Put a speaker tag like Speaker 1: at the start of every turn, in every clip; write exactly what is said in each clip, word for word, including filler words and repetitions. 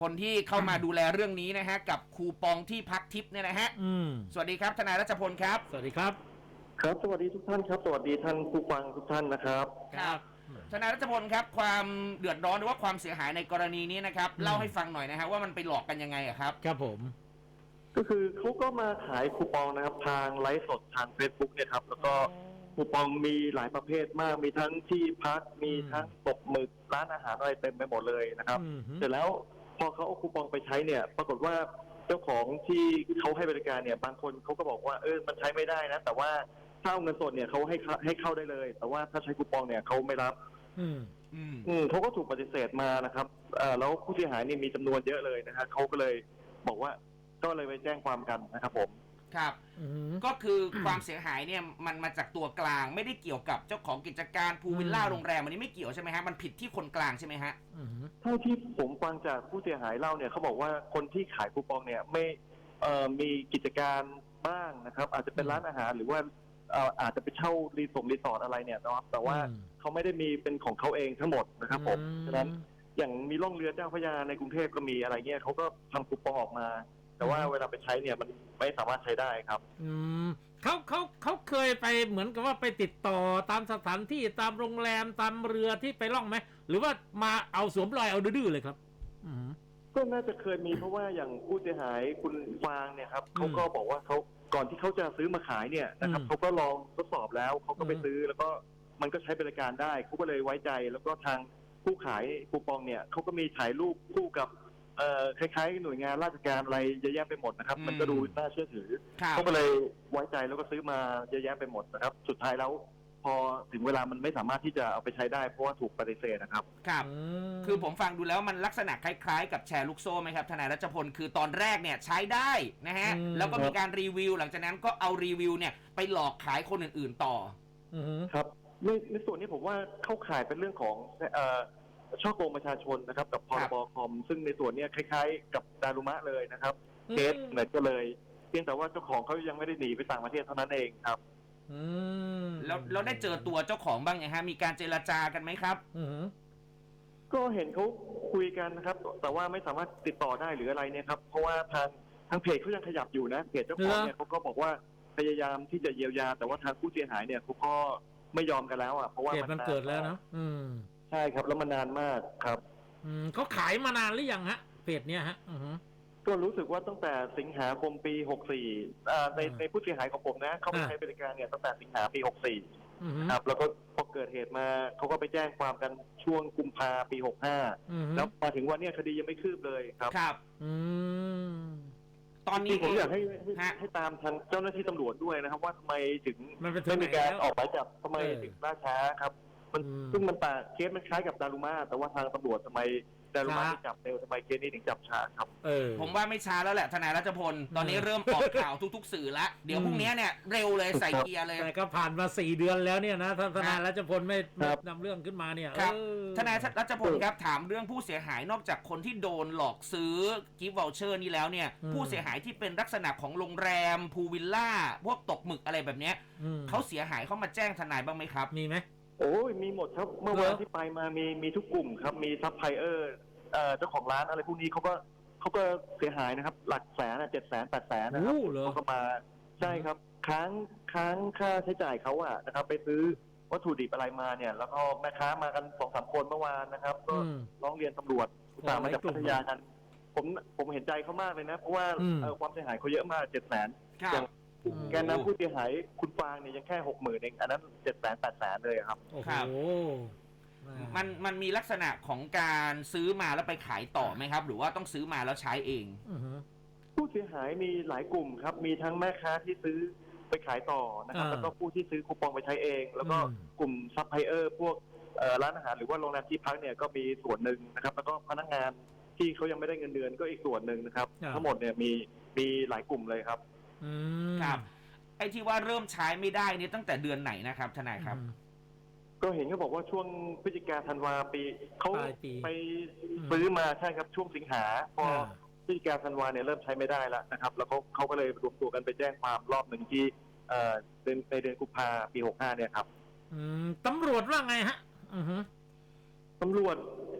Speaker 1: คนที่เข้ามาดูแลเรื่องนี้นะฮะกับคูปองที่พักทิปเนี่ยนะฮะสวัสดีครับทนายรัชพลครับ
Speaker 2: สวัสดีครับ
Speaker 3: ครับสวัสดีทุกท่านครับสวัสดีท่านผู้ฟังทุกท่านนะครับ
Speaker 1: ครับทนายรัชพลครับความเดือดร้อนหรือว่าความเสียหายในกรณีนี้นะครับเล่าให้ฟังหน่อยนะฮะว่ามันไปหลอกกันยังไงอะครับ
Speaker 2: ครับผม
Speaker 3: ก็คือเขาก็มาขายคูปองนะครับทางไลฟ์สดทาง Facebook เนี่ยครับแล้วก็คูปองมีหลายประเภทมากมีทั้งที่พักมีทั้งตกหมึกร้านอาหารอะไรเต็มไปหมดเลยนะครับเสร็จแล้วพอเขาเอาคูปองไปใช้เนี่ยปรากฏว่าเจ้าของที่เขาให้บริการเนี่ยบางคนเขาก็บอกว่าเออมันใช้ไม่ได้นะแต่ว่าถ้าเอาเงินสดเนี่ยเขาให้ให้เข้าได้เลยแต่ว่าถ้าใช้คูปองเนี่ยเขาไม่รับอืมอืมเขาก็ถูกปฏิเสธมานะครับเอ่อแล้วผู้เสียหายนี่มีจำนวนเยอะเลยนะฮะเขาก็เลยบอกว่าก็เลยไปแจ้งความกันนะครับผม
Speaker 1: ครับก็คือความเสียหายเนี่ยมันมาจากตัวกลางไม่ได้เกี่ยวกับเจ้าของกิจการพูลวิลล่าโรงแรมอันนี้ไม่เกี่ยวใช่ไหมฮะมันผิดที่คนกลางใช่ไหมฮะ
Speaker 3: เท่าที่ผมฟังจากผู้เสียหายเล่าเนี่ยเขาบอกว่าคนที่ขายคูปองเนี่ยไม่เอ่อมีกิจการบ้างนะครับอาจจะเป็นร้านอาหารหรือว่าเอ่ออาจจะไปเช่ารีสอร์ทรีสอร์ทอะไรเนี่ยนะครับแต่ว่าเขาไม่ได้มีเป็นของเขาเองทั้งหมดนะครับผมฉะนั้นอย่างมีล่องเรือเจ้าพระยาในกรุงเทพก็มีอะไรเงี้ยเขาก็ทำคูปองออกมาแต่ว่าเวลาไปใช้เนี่ยมันไม่สามารถใช้ได้ครับ
Speaker 2: อืมเขาเขาเขาเคยไปเหมือนกับว่าไปติดต่อตามสถานที่ตามโรงแรมตามเรือที่ไปล่องไหมหรือว่ามาเอาสวมรอยเอาดื้อเลยครับอืม
Speaker 3: ก็น่าจะเคยมีเพราะว่าอย่างผู้เสียหายคุณฟางเนี่ยครับเขาก็บอกว่าเขาก่อนที่เขาจะซื้อมาขายเนี่ยนะครับเขาก็ลองทดสอบแล้วเขาก็ไปซื้อแล้วก็มันก็ใช้บริการได้เขาก็เลยไว้ใจแล้วก็ทางผู้ขายคูปองเนี่ยเขาก็มีถ่ายรูปคู่กับเอ่อคล้ายๆหน่วยงานราชการอะไรเยอะแยะไปหมดนะครับมันก็ดูน่าเชื่อถือเขาก็เลยไว้ใจแล้วก็ซื้อมาเยอะแยะไปหมดนะครับสุดท้ายแล้วพอถึงเวลามันไม่สามารถที่จะเอาไปใช้ได้เพราะว่าถูกปฏิเสธนะครับ
Speaker 1: ครับคือผมฟังดูแล้วมันลักษณะคล้ายๆกับแชร์ลูกโซ่ไหมครับทนายรัชพลคือตอนแรกเนี่ยใช้ได้นะฮะแล้วก็มีการรีวิวหลังจากนั้นก็เอารีวิวเนี่ยไปหลอกขายคนอื่นๆต่อ
Speaker 3: ครับในในส่วนนี้ผมว่าเข้าข่ายเป็นเรื่องของเอ่อช่อโกงประชาชนนะครับกับพรบคอมซึ่งในส่วนนี้คล้ายๆกับดารุมะเลยนะครับเคสเหมือนกันเลยเพียงแต่ว่าเจ้าของเขายังไม่ได้หนีไปต่างประเทศเท่านั้นเองครับ
Speaker 1: อืมแล้วเราได้เจอตัวเจ้าของบ้างยังฮะมีการเจรจากันไหมครับ
Speaker 3: อือก็เห็นเขาคุยกันนะครับแต่ว่าไม่สามารถติดต่อได้หรืออะไรเนี่ยครับเพราะว่าทางทางเพจเขายังขยับอยู่นะเพจเจ้าของเนี่ยเขาก็บอกว่าพยายามที่จะเยียวยาแต่ว่าทางผู้เสียหายเนี่ยเขาก็ไม่ยอมกันแล้วอ่ะเพราะว่า
Speaker 2: มันเกิดแล้วนะอืม
Speaker 3: ใช่ครับแล้วมันนานมากครับ
Speaker 2: อืมเขาขายมานานหรือยังฮะเพจเนี้ยฮะอือ
Speaker 3: ก็รู้สึกว่าตั้งแต่สิงหาคมปีหกสี่อ่าในในผู้เสียหายของผมนะเขาไปใช้บริการเนี่ยตั้งแต่สิงหาปีหกสี่ครับแล้วก็พอเกิดเหตุมาเขาก็ไปแจ้งความกันช่วงกุมภาปีหกห้าแล้วมาถึงวันนี้คดียังไม่คืบเลยครับ
Speaker 1: ครับอืมตอนนี้
Speaker 3: ผมอยากให้ให้ตามทางเจ้าหน้าที่ตำรวจด้วยนะครับว่าทำไมถึงไม่มีการออกหมายจับทำไมถึงล่าช้าครับมันซึ่งมันต่างเคสมันคล้ายกับดารุมาแต่ว่าทางตำรวจทำไมดารุมาจับเร็วทำไมเคสนี้ถึงจับช้าครับ
Speaker 1: เออผมว่าไม่ช้าแล้วแหละทนายรัชพลตอนนี้เริ่มออกข่าวทุกๆสื่อแล้วเดี๋ยวพรุ่งนี้เนี่ยเร็วเลยใส่เกียร์เลย
Speaker 2: แต่ก็ผ่านมาสี่เดือนแล้วเนี่ยนะทนายรัชพลไม่นำเรื่องขึ้นมาเนี่ย
Speaker 1: ครับทนายรัชพลครับถามเรื่องผู้เสียหายนอกจากคนที่โดนหลอกซื้อกิฟต์วอลเชอร์นี่แล้วเนี่ยผู้เสียหายที่เป็นลักษณะของโรงแรมพูลวิลล่าพวกตกหมึกอะไรแบบเนี้ยเขาเสียหายเขามาแจ้งทนายบ้างไหมครับ
Speaker 2: มีไหม
Speaker 3: โอ้ยมีหมดครับเมื่อวันที่ไปมามีมีทุกกลุ่มครับมีซัพพลายเออร์เจ้าของร้านอะไรพวกนี้เขาก็เขาก็เสียหายนะครับหลักแสนเจ็ดแสนแปดแสนนะครับเขาก็มาใช่ครับค้างค้างค่าใช้จ่ายเขาอะนะครับไปซื้อวัตถุดิบอะไรมาเนี่ยแล้วก็แม่ค้ามากันสองสามคนเมื่อวานนะครับก็ร้องเรียนตำรวจตามมาจากพัทยากันผมผมเห็นใจเขามากเลยนะเพราะว่าความเสียหายเขาเยอะมากเจ็ดแสนอย่างแกนนำผู้เสียหายคุณฟางเนี่ยยังแค่หกหมื่นเองอันนั้นเจ็ดแสนแปดแสนเลยครับ
Speaker 2: โอ้โห
Speaker 1: มันมันมีลักษณะของการซื้อมาแล้วไปขายต่อไหมครับหรือว่าต้องซื้อมาแล้วใช้เอง
Speaker 3: ผู้เสียหายมีหลายกลุ่มครับมีทั้งแม่ค้าที่ซื้อไปขายต่อนะครับแล้วก็ผู้ที่ซื้อคูปองไปใช้เองแล้วก็กลุ่มซัพพลายเออร์พวกร้านอาหารหรือว่าโรงแรมที่พักเนี่ยก็มีส่วนหนึ่งนะครับแล้วก็พนักงานที่เขายังไม่ได้เงินเดือนก็อีกส่วนหนึ่งนะครับทั้งหมดเนี่ยมีมีหลายกลุ่มเลยครับ
Speaker 1: ครับไอ้ที่ว่าเริ่มใช้ไม่ได้นี่ตั้งแต่เดือนไหนนะครับทนายครับ
Speaker 3: ก็เห็นเขาบอกว่าช่วงพฤศจิกาธันวาปีเขาไปซื้อมาใช่ครับช่วงสิงหาพอพฤศจิกาธันวาเนี่ยเริ่มใช้ไม่ได้แล้วนะครับแล้วเขาเขาก็เลยรวมตัวกันไปแจ้งความรอบหนึ่งที่เอ่อเดือนในเดือนกุมภาปีหกห้าเนี่ยครับ
Speaker 2: ตำรวจว่าไงฮะ
Speaker 3: ตำรวจ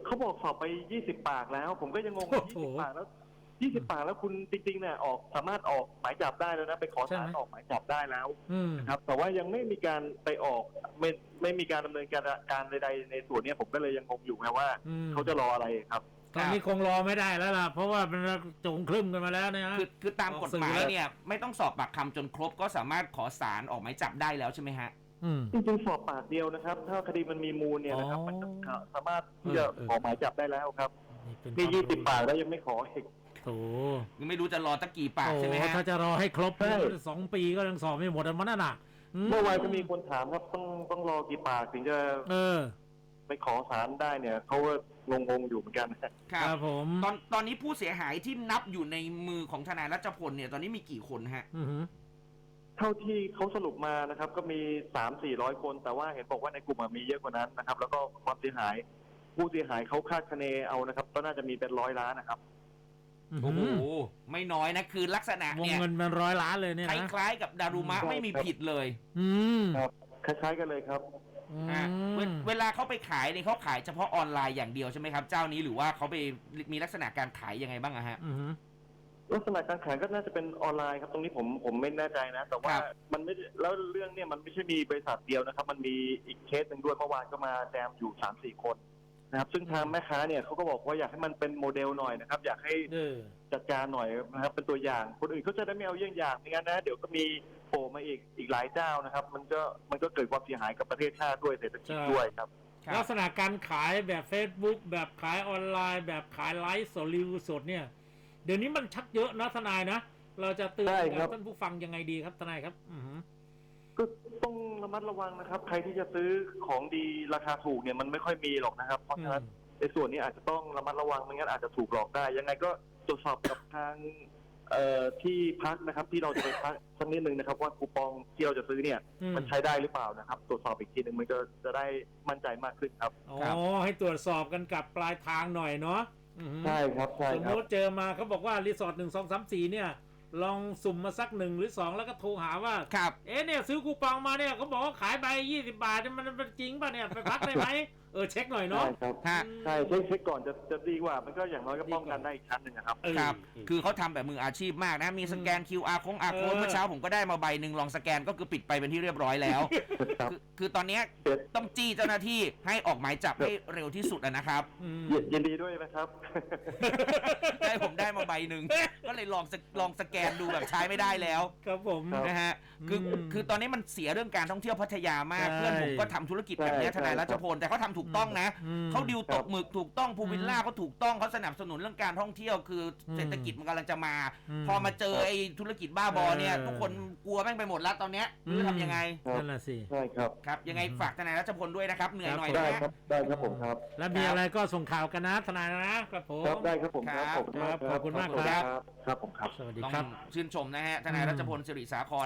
Speaker 3: เขาบอกสอบไปยี่สิบปากแล้ว ผมก็ยังงงว่า
Speaker 2: โอ้
Speaker 3: ยี่
Speaker 2: โห
Speaker 3: สิบปากแล้วยี่สิบปากแล้วคุณจริงๆเนี่ยออกสามารถออกหมายจับได้แล้วนะไปขอ
Speaker 2: ใช่
Speaker 3: ศาล
Speaker 2: ไหม
Speaker 3: ออกหมายจับได้แล้ว
Speaker 2: อืม
Speaker 3: นะครับแต่ว่ายังไม่มีการไปออกไม่ไม่มีการดำเนินการการใดๆในส่วนเนี้ยผมก็เลยยังงงอยู่ไงว่า
Speaker 2: อืม
Speaker 3: เขาจะรออะไรครับ
Speaker 2: ตอนนี้คงรอไม่ได้แล้วล่ะ เพราะว่ามันจงครึ่มกันมาแล้วเนี่ยนะ
Speaker 1: คือคือตามกฎหมาย
Speaker 2: ออกสื่อแล้ว
Speaker 1: เนี่ยไม่ต้องสอบปากคำจนครบก็สามารถขอศาลออกหมายจับได้แล้วใช่ไหมฮะ
Speaker 2: อืม
Speaker 3: จริงๆสอบปากเดียวนะครับ ถ้าคดีมันมีมูลเนี่ยนะครับ
Speaker 2: อ๋อ
Speaker 3: มันจะสามารถที่จะ
Speaker 2: เออเออ
Speaker 3: ขอหมายจับได้แล้วครับ
Speaker 2: นี่เป็น
Speaker 3: มียี่สิบ
Speaker 2: ควมรู้
Speaker 3: ปากแล้วยังไม่ขออีก
Speaker 2: โถ
Speaker 1: ยังไม่รู้จะรอตั้งกี่ปาก
Speaker 2: โอ้
Speaker 1: ใช่ไหมฮะ
Speaker 2: ถ้าจะรอให้ครบ
Speaker 3: ใช่
Speaker 2: สองปีก็ยังสอบไม่หมดอันนั้นน่ะ
Speaker 3: เมื่อวานก็มีคนถามครับต้องต้องรอกี่ปากถึงจะ
Speaker 2: เออ
Speaker 3: ไปขอศาลได้เนี่ยเขาก็งงๆอยู่เหมือนกัน
Speaker 1: ครั
Speaker 2: ครับ บผม
Speaker 1: ตอนตอนนี้ผู้เสียหายที่นับอยู่ในมือของทนายรัชพลเนี่ยตอนนี้มีกี่คนฮะ
Speaker 2: อือหือ
Speaker 3: เท่าที่เขาสรุปมานะครับ ก็มีสามสี่ร้อยคน แต่ว่าเห็นบอกว่าในกลุ่มอะมีเยอะกว่านั้นนะครับ แล้วก็ความเสียหาย ผู้เสียหายเขาคาดคะเนเอานะครับ ก็น่าจะมีเป็นร้อยล้านนะครับ
Speaker 1: โอ้โห ไม่น้อยนะ คือลักษณะ
Speaker 2: วง
Speaker 1: เนี่ย
Speaker 2: เงินมันร้อยล้านเลยเนี่ย
Speaker 1: ค
Speaker 2: นะ
Speaker 1: ล้ายๆกับดารุมะ
Speaker 3: ใช่
Speaker 1: ไม่มีผิดเลย
Speaker 2: อืม
Speaker 3: ครับ คล้ายๆกันเลยครับ
Speaker 2: อื
Speaker 1: อ่ะเว
Speaker 2: ม
Speaker 1: เวลาเขาไปขายเนี่ยเขาขายเฉพาะออนไลน์อย่างเดียวใช่ไหมครับ เจ้านี้หรือว่าเขาไปมีลักษณะการขายยังไงบ้างอะฮะ
Speaker 2: อือหือ
Speaker 3: ลักษณะการขายก็น่าจะเป็นออนไลน์ครับ ตรงนี้ผมผมไม่แน่ใจนะ แต่ว่า
Speaker 1: ครับ
Speaker 3: มันไม่ได้แล้วเรื่องเนี่ยมันไม่ใช่มีบริษัทเดียวนะครับ มันมีอีกเคสหนึ่งด้วยเมื่อวานก็มาแจมอยู่สามสี่คนนะครับ ซึ่งทางแม่ค้าเนี่ยเขาก็บอกว่าอยากให้มันเป็นโมเดลหน่อยนะครับ อยากให้
Speaker 2: เออ
Speaker 3: จัดการหน่อยนะครับเป็นตัวอย่างคนอื่นเขาจะได้ไม่เอาเยี่ยงอย่างไม่งั้นนะเดี๋ยวก็มีโผล่มาอีกอีกหลายเจ้านะครับ มันก็มันก็เกิดความเสียหายกับประเทศชาติด้วยเศรษฐกิจ
Speaker 2: ใช่
Speaker 3: ด้วยครับ
Speaker 1: ครับ
Speaker 2: ลักษณะการขายแบบ Facebook แบบขายออนไลน์ แบบขายไลฟ์สดรีวิวสดเนี่ย เดี๋ยวนี้มันชักเยอะนะทนายนะ เราจะเตือน
Speaker 3: ใช่ครับ
Speaker 2: ท่านผู้ฟังยังไงดีครับทนายครับ อือหือ
Speaker 3: ก็ต้องระมัดระวังนะครับ ใครที่จะซื้อของดีราคาถูกเนี่ยมันไม่ค่อยมีหรอกนะครับ เพราะฉะนั้นในส่วนนี้อาจจะต้องระมัดระวังไม่งั้นอาจจะถูกหลอกได้ ยังไงก็ตรวจสอบกับทางเอ่อที่พักนะครับ ที่เราจะไปพักสักนิดนึงนะครับ ว่าคูปองที่เราจะซื้อเนี่ย
Speaker 2: อืม
Speaker 3: มันใช้ได้หรือเปล่านะครับ ตรวจสอบอีกทีหนึ่งมันก็จะได้มั่นใจมากขึ้นครับ
Speaker 2: อ๋อ
Speaker 1: ครับ
Speaker 2: ให้ตรวจสอบกันกับปลายทางหน่อยเนาะอือหือ
Speaker 3: ใช่ครับใช่
Speaker 2: สม
Speaker 3: ค
Speaker 2: ม
Speaker 3: รับ
Speaker 2: ติเจอมาเขาบอกว่ารีสอร์ทหนึ่งสองสามสี่เนี่ย ลองสุ่มมาสักหนึ่งหรือสองแล้วก็โทรหาว่า
Speaker 1: ครับ
Speaker 2: เอ๊ะเนี่ยซื้อคูปองมาเนี่ยเขาบอกว่าขายใบยี่สิบบาทเนี่ยมันมันจริงป่ะเนี่ยไปพักได้ไหม เออเช็คหน่อยเนาะ
Speaker 3: ใช่ครับ
Speaker 1: ฮะ
Speaker 3: ใช่เช็คเช็คก่อนจะจะดีกว่า มันก็อย่างน้อยก็ป้องกันได้อีกชั้นหนึ่งนะครับ
Speaker 2: เออ
Speaker 1: ครับ
Speaker 2: เออ
Speaker 1: คือเขาทำแบบมืออาชีพมากนะ มีสแกน คิว อาร์ โค้งอาร์โค้ด
Speaker 2: เออ
Speaker 1: เมื่อเช้าผมก็ได้มาใบหนึ่งลองสแกนก็คือปิดไปเป็นที่เรียบร้อยแล้ว
Speaker 3: ครับ
Speaker 1: คือคือตอนเนี้ย
Speaker 3: เดี๋ยว
Speaker 1: ต้องจี้เจ้าหน้าที่ให้ออกหมายจับให้เร็วที่สุดอะนะครับ
Speaker 2: อืม
Speaker 3: ยินยินดีด้วยนะครับ
Speaker 1: ได้ผมได้มาใบหนึ่งก็เลยลองสกลองสแกนดูแบบใช้ไม่ได้แล้ว
Speaker 2: ครับผม
Speaker 3: ครับ
Speaker 1: นะฮะคือ
Speaker 2: อืม
Speaker 1: คือตอนนี้มันเสียเรื่องการท่องเที่ยวพัทยามาก
Speaker 2: ใช่
Speaker 1: เพื่อนผมก็ทำธุรกิจแบบเนี้ย
Speaker 3: ใช่
Speaker 1: ทนายรัชพลแต่เขาทำถูกต้องนะ
Speaker 2: อืม
Speaker 1: เขาดิวตกหมึกถูกต้องพูลวิลล่า
Speaker 2: อืม
Speaker 1: เขาถูกต้องเขาสนับสนุนเรื่องการท่องเที่ยวคืออ
Speaker 2: ม
Speaker 1: เศรษฐกิจมันกำลังจะมา
Speaker 2: อืม
Speaker 1: พอมาเจอไอ้ธุรกิจบ้าบอเนี่ย
Speaker 2: เออ
Speaker 1: ทุกคนกลัวแม่งไปหมดแล้วตอนเนี้ยไม่รู้
Speaker 2: อืม
Speaker 1: ทำยังไง
Speaker 3: ครับ
Speaker 2: นั่นแหละสิ
Speaker 3: ใช่ครับ
Speaker 1: ครับยังไงฝากทนายรัชพลด้วยนะครับเหนื่อยหน่อย
Speaker 3: ได้
Speaker 1: นะฮะ
Speaker 3: ครับ ได้ครับผมครับ
Speaker 2: แล้วมีอะไรก็ส่งข่าวกันนะทนายนะครับผม
Speaker 3: ครับ ได้ครับผมครับ
Speaker 1: ครับ
Speaker 3: ขอบคุณมาก
Speaker 2: ขอบคุณมาก
Speaker 3: ครับ
Speaker 2: ครับ
Speaker 3: ครับผมครับ
Speaker 2: สวัสดี
Speaker 1: ต้อง
Speaker 2: ครับ
Speaker 1: ชื่นชมนะฮะทนายรัชพลสิริสาคร